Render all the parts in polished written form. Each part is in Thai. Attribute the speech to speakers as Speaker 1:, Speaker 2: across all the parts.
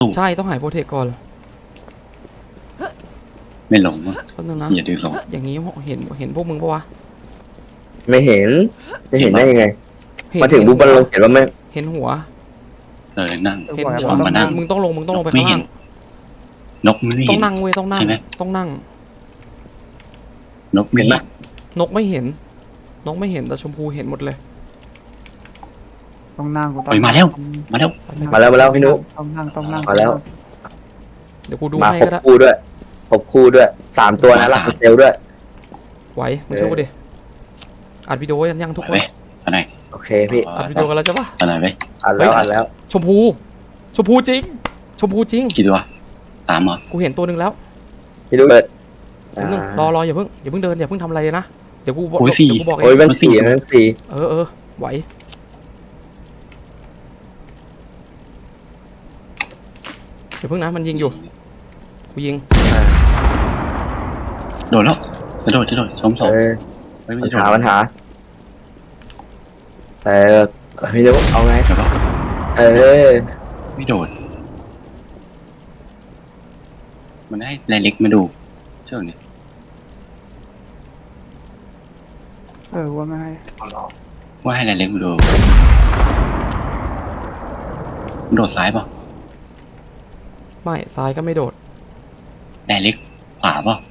Speaker 1: ใช่ต้องหายโปรเทคก่อน
Speaker 2: ไม่หลงมั้ง
Speaker 1: แป๊บนึงนะ
Speaker 2: อย่าดื้อหลง
Speaker 1: อย่างนี้เห็นพวกมึงปะวะ
Speaker 3: ไม่เห็นจะเห็นได้ยังไง
Speaker 1: เห็น
Speaker 3: มาถึงปุ๊บมันลงเห็นว่าไม่
Speaker 1: เห็นหัว
Speaker 2: นั่ง
Speaker 1: เห็นหัว
Speaker 2: ลงมานั่ง
Speaker 1: มึงต้องลงไป
Speaker 2: ไม่
Speaker 1: ข้าง
Speaker 2: เห็
Speaker 1: ล่าน ง
Speaker 2: นกไม่
Speaker 1: ต้อ
Speaker 2: เห็
Speaker 1: ง
Speaker 2: น
Speaker 1: นั่งเว้ยต้องนั่ง
Speaker 2: ใช่ไหม
Speaker 1: ต้องนั่ง
Speaker 2: นกไม่เห็น
Speaker 1: นกไม่เห็นแต่ชมพูเห็นหมดเลย
Speaker 4: ต้องนั่งกูต้อง
Speaker 2: เฮ้ยมาแล้ว มาแล้ว
Speaker 3: มาแล้วพี่นุ๊ก
Speaker 4: ต้องนั่ง
Speaker 3: มาแล้ว
Speaker 1: เดี๋ยวกูดู
Speaker 3: มา
Speaker 1: ให้
Speaker 3: คร
Speaker 1: ก็
Speaker 3: บ
Speaker 1: ได้
Speaker 3: คู่ด้วยครบคู่ด้วย3 ตัวนะลักเซลด้วย
Speaker 1: ไหวมึงช่วยกูดิอัดวิดีโอยังทุก
Speaker 2: ไป
Speaker 1: คน
Speaker 2: เว้ยอันไหน
Speaker 3: โอเคพี่
Speaker 1: อัดวิดีโอกันแล้วใช่ปะ
Speaker 2: อันไหนไป
Speaker 3: อัดแล้วอัดแล้ว
Speaker 1: ชมพูจริง
Speaker 2: กี่ตัว3เหรอ
Speaker 1: กูเห็นตัวหนึ่งแล้ว
Speaker 3: พี่นุ๊กเปิด
Speaker 1: แป๊บนึงรออย่าเพิ่งเดินอย่าเพิ่งทำอะไรนะเดี๋ยวกูบอก
Speaker 2: โอ้ย
Speaker 1: เดี๋ยวกูบอกเอ
Speaker 3: โอ้ย
Speaker 1: ง
Speaker 3: มันสี่
Speaker 1: เออไหวเดี๋ยวเพิ่งนะมันยิงอยู่กูยิง
Speaker 2: โดดแล้วจะโดดสอง ไม่
Speaker 3: ปัญ
Speaker 2: โดด
Speaker 3: หาพี่นุ๊กเอาไง
Speaker 2: ใช่ปะ
Speaker 3: ไม่
Speaker 2: โดดมันให้รายเล็กมาดูเชื่อเนี่ย
Speaker 4: ว่าไม่ให้
Speaker 2: ว่าให้รายเล็กมาดูโดดซ้ายป่ะ
Speaker 1: ไม่ซ้ายก็ไม่โดด
Speaker 2: รายเล็กขวาป่ะ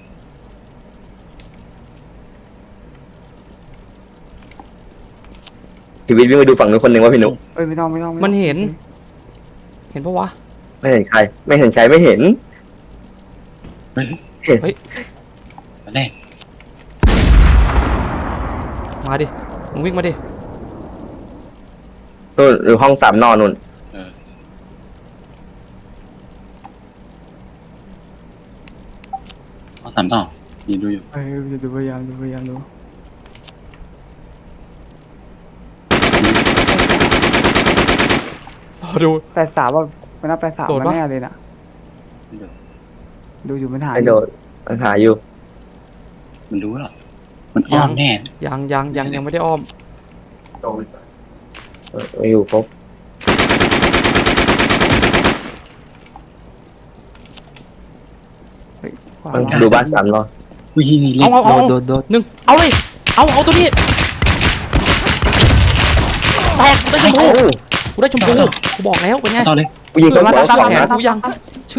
Speaker 3: ชีวิตวิ่งไปดูฝั่งนู้นคนหนึ่งว่าพี่นุ๊ก
Speaker 4: ไม่ต้อง
Speaker 1: มันเห็นปะวะ
Speaker 3: ไม่เห็นใครไม่เห็น
Speaker 2: เฮ้ยมาแน่
Speaker 1: มาดิมึงวิ่งมาดิ
Speaker 3: นู่นหรือห้อง3 นอนนู่น
Speaker 2: เอา3ต่อยืนดูอยู่
Speaker 4: ดูพยายามดู
Speaker 1: รอดู
Speaker 4: 83ว่าไม่นับ83
Speaker 1: โดด
Speaker 4: มัน
Speaker 1: ปะ
Speaker 4: แน่เลยน่ะดูอยู่มันหาย
Speaker 3: ไม่โดดปัญหาอยู่
Speaker 2: มันรู้หรอมันอ้อมแน่
Speaker 1: ยังไม่ได้อ้อม
Speaker 3: ไม่อยู่ครบ ดูบ้าน3 นอน
Speaker 2: วิ่งเล็ก
Speaker 1: เอา
Speaker 2: โดด
Speaker 1: หนึ่งเอาเลยเอาตัวนี้แตกได้ชมพูกูบอกแล้วเป็นไง
Speaker 2: ต่อเลย
Speaker 3: กูยิง
Speaker 1: เกิ
Speaker 3: ต้
Speaker 1: ด
Speaker 3: น
Speaker 1: มา
Speaker 3: หัว
Speaker 1: ตาม
Speaker 3: 2
Speaker 1: แผน
Speaker 3: นัด
Speaker 1: กูยัง